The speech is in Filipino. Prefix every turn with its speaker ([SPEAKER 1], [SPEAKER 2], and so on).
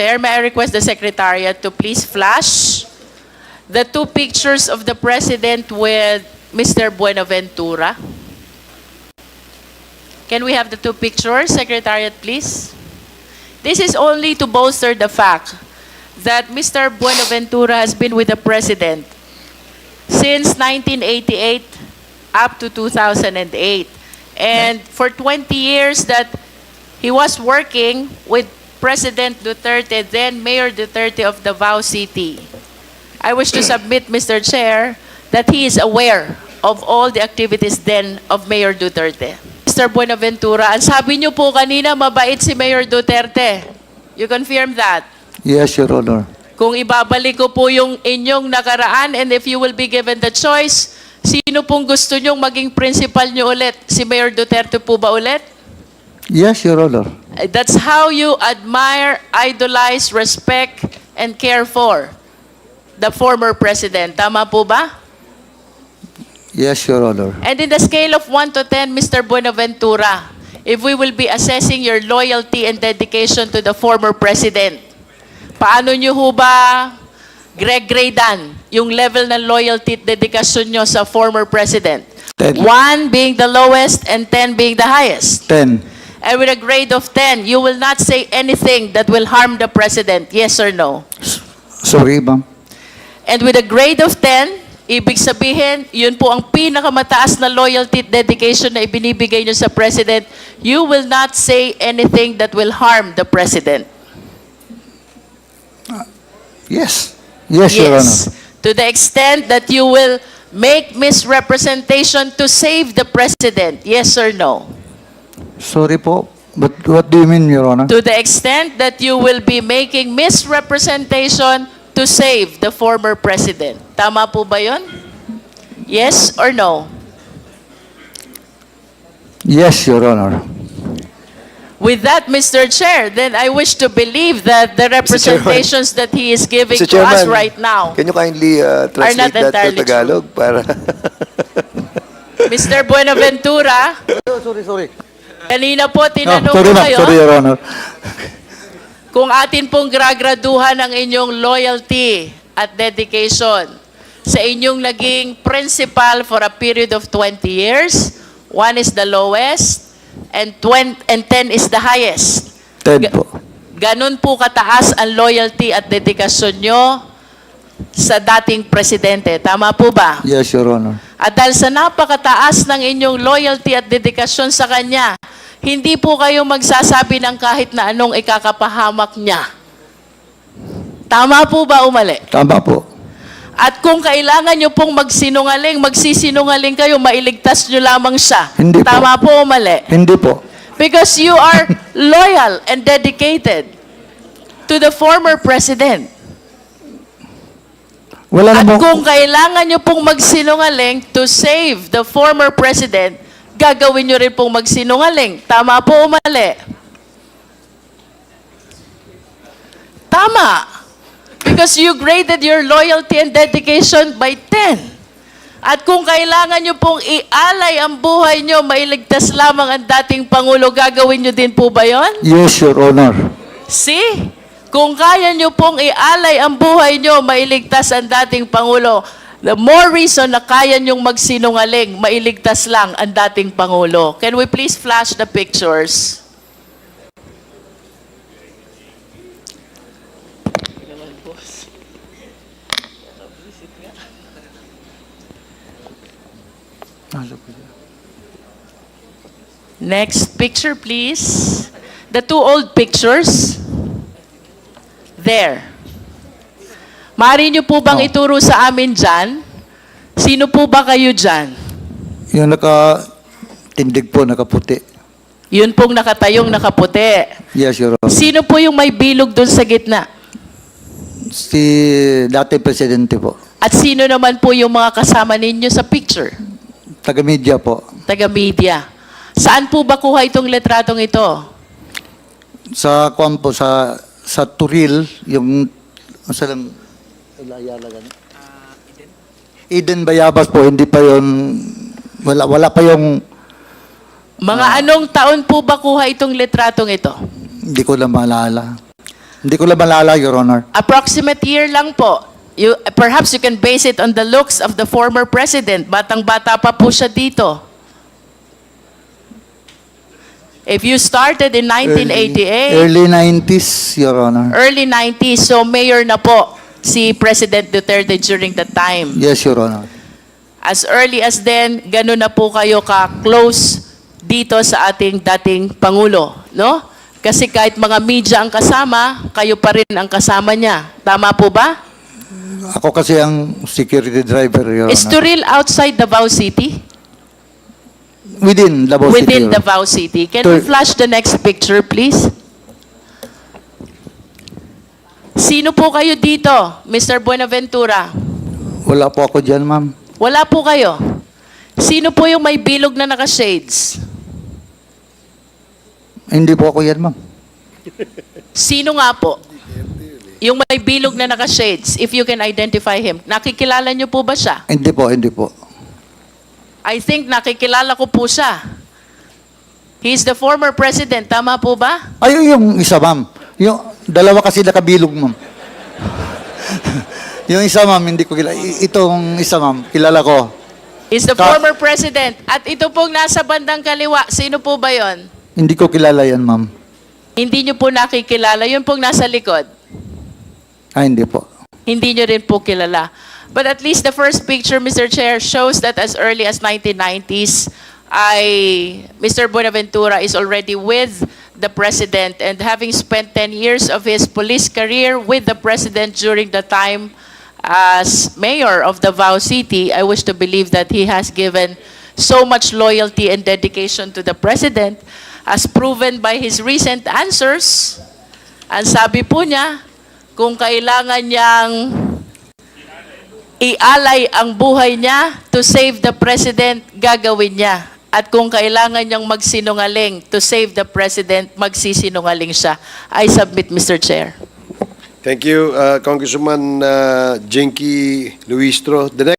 [SPEAKER 1] Chair, may I request the Secretariat to please flash the two pictures of the President with Mr. Buenaventura. Can we have the two pictures, Secretariat, please? This is only to bolster the fact that Mr. Buenaventura has been with the President since 1988 up to 2008. And for 20 years that he was working with President Duterte, then Mayor Duterte of Davao City. I wish to submit, Mr. Chair, that he is aware of all the activities then of Mayor Duterte. Mr. Buenaventura, ang sabi niyo po kanina, mabait si Mayor Duterte. You confirm that?
[SPEAKER 2] Yes, Your Honor.
[SPEAKER 1] Kung ibabalik ko po yung inyong nakaraan and if you will be given the choice, sino pong gusto nyong maging principal nyo ulit? Si Mayor Duterte po ba ulit?
[SPEAKER 2] Yes, Your Honor.
[SPEAKER 1] That's how you admire, idolize, respect, and care for the former president. Tama po ba?
[SPEAKER 2] Yes, Your Honor.
[SPEAKER 1] And in the scale of 1 to 10, Mr. Buenaventura, if we will be assessing your loyalty and dedication to the former president, paano nyo ho ba gradean yung level ng loyalty at dedikasyon nyo sa former president?
[SPEAKER 2] 10.
[SPEAKER 1] 1 being the lowest and 10 being the highest.
[SPEAKER 2] 10.
[SPEAKER 1] And with a grade of 10, you will not say anything that will harm the president, yes or no?
[SPEAKER 2] Sorry, ma'am.
[SPEAKER 1] And with a grade of 10, ibig sabihin, yun po ang pinakamataas na loyalty at dedication na ibinibigay nyo sa president, you will not say anything that will harm the president.
[SPEAKER 2] Yes. Yes, Your Honor.
[SPEAKER 1] To the extent that you will make misrepresentation to save the president, yes or no?
[SPEAKER 2] Sorry po. But what do you mean, Your Honor?
[SPEAKER 1] To the extent that you will be making misrepresentation to save the former president. Tama po ba yun? Yes or no?
[SPEAKER 2] Yes, Your Honor.
[SPEAKER 1] With that, Mr. Chair, then I wish to believe that the representations that he is giving
[SPEAKER 3] Mr.
[SPEAKER 1] to us
[SPEAKER 3] Chairman,
[SPEAKER 1] right now,
[SPEAKER 3] Can you kindly translate that to
[SPEAKER 1] entirely
[SPEAKER 3] Tagalog? Para
[SPEAKER 1] Mr. Buenaventura,
[SPEAKER 2] Sorry.
[SPEAKER 1] kanina po tinanong
[SPEAKER 2] sorry,
[SPEAKER 1] ko
[SPEAKER 2] ma'am.
[SPEAKER 1] kayo
[SPEAKER 2] Sorry, Your Honor.
[SPEAKER 1] kung atin pong gragraduhan ang inyong loyalty at dedication sa inyong naging principal for a period of 20 years. 1 is the lowest and 10 is the highest.
[SPEAKER 2] 10 po.
[SPEAKER 1] Ganun po kataas ang loyalty at dedikasyon nyo sa dating presidente. Tama po ba?
[SPEAKER 2] Yes, Your Honor.
[SPEAKER 1] At dahil sa napakataas ng inyong loyalty at dedikasyon sa kanya, hindi po kayo magsasabi ng kahit na anong ikakapahamak niya. Tama po ba o mali?
[SPEAKER 2] Tama po.
[SPEAKER 1] At kung kailangan nyo pong magsinungaling, magsisinungaling kayo, mailigtas nyo lamang siya.
[SPEAKER 2] Hindi po.
[SPEAKER 1] Tama po o mali?
[SPEAKER 2] Hindi po.
[SPEAKER 1] Because you are loyal and dedicated to the former president.
[SPEAKER 2] Wala
[SPEAKER 1] At
[SPEAKER 2] na po.
[SPEAKER 1] kung kailangan nyo pong magsinungaling to save the former president, gagawin nyo rin pong magsinungaling. Tama po o mali? Tama. Because you graded your loyalty and dedication by 10. At kung kailangan nyo pong ialay ang buhay nyo, mailigtas lamang ang dating Pangulo, gagawin nyo din po ba yon?
[SPEAKER 2] Yes, Your Honor.
[SPEAKER 1] See? Kung kaya nyo pong ialay ang buhay nyo, mailigtas ang dating Pangulo, the more reason na kaya nyong magsinungaling, mailigtas lang ang dating Pangulo. Can we please flash the pictures? Next picture, please. The two old pictures. There. Maaari niyo po bang ituro sa amin dyan? Sino po ba kayo dyan?
[SPEAKER 2] Yung nakatindig po, nakaputi.
[SPEAKER 1] Yun pong nakatayong nakaputi.
[SPEAKER 2] Yes, Your Honor.
[SPEAKER 1] Sino po yung may bilog doon sa gitna?
[SPEAKER 2] Si dati presidente po.
[SPEAKER 1] At sino naman po yung mga kasama ninyo sa picture?
[SPEAKER 2] Taga-media po.
[SPEAKER 1] Taga-media. Saan po ba kuha itong letratong ito?
[SPEAKER 2] Sa kwan po, sa Turil, yung sa lang Eden Bayabas po, hindi pa yon, wala pa yung
[SPEAKER 1] Mga anong taon po ba kuha itong letratong ito?
[SPEAKER 2] hindi ko na maalala. Hindi ko lang malala, Your Honor.
[SPEAKER 1] Approximate year lang po. Perhaps you can base it on the looks of the former president. Batang-bata pa po siya dito. If you started in 1988,
[SPEAKER 2] Early 90s, Your Honor.
[SPEAKER 1] early 90s, so mayor na po si President Duterte during that time.
[SPEAKER 2] Yes, Your Honor.
[SPEAKER 1] As early as then, ganun na po kayo ka-close dito sa ating dating Pangulo, no? Kasi kahit mga media ang kasama, kayo pa rin ang kasama niya. Tama po ba?
[SPEAKER 2] Ako kasi ang security driver, Your
[SPEAKER 1] Is
[SPEAKER 2] Honor.
[SPEAKER 1] Turil outside Davao City?
[SPEAKER 2] Within Davao City.
[SPEAKER 1] Within
[SPEAKER 2] Your Honor.
[SPEAKER 1] Davao City. Can we flash the next picture, please? Sino po kayo dito, Mr. Buenaventura?
[SPEAKER 2] Wala po ako dyan, ma'am.
[SPEAKER 1] Wala po kayo. Sino po yung may bilog na naka-shades?
[SPEAKER 2] Hindi po ako yan, ma'am.
[SPEAKER 1] Sino nga po? Yung may bilog na naka-shades, if you can identify him. Nakikilala niyo po ba siya?
[SPEAKER 2] Hindi po, hindi po.
[SPEAKER 1] I think nakikilala ko po siya. He's the former president, tama po ba?
[SPEAKER 2] Ayun yung isa, ma'am. Yung dalawa kasi nakabilog, ma'am. Yung isa, ma'am, hindi ko kilala. Itong isa, ma'am, kilala ko.
[SPEAKER 1] He's the former president. At ito pong nasa bandang kaliwa, sino po ba yon?
[SPEAKER 2] Hindi ko kilala yan, ma'am.
[SPEAKER 1] Hindi niyo po nakikilala. Yun pong nasa likod.
[SPEAKER 2] Hindi po.
[SPEAKER 1] Hindi nyo rin po kilala. But at least the first picture, Mr. Chair, shows that as early as 1990s, Mr. Buenaventura is already with the President, and having spent 10 years of his police career with the President during the time as mayor of Davao City, I wish to believe that he has given so much loyalty and dedication to the President, as proven by his recent answers. Ang sabi po niya, kung kailangan niyang ialay ang buhay niya to save the President, gagawin niya. At kung kailangan niyang magsinungaling to save the President, magsisinungaling siya. I submit, Mr. Chair.
[SPEAKER 4] Thank you, Congresswoman Jinky Luistro. The next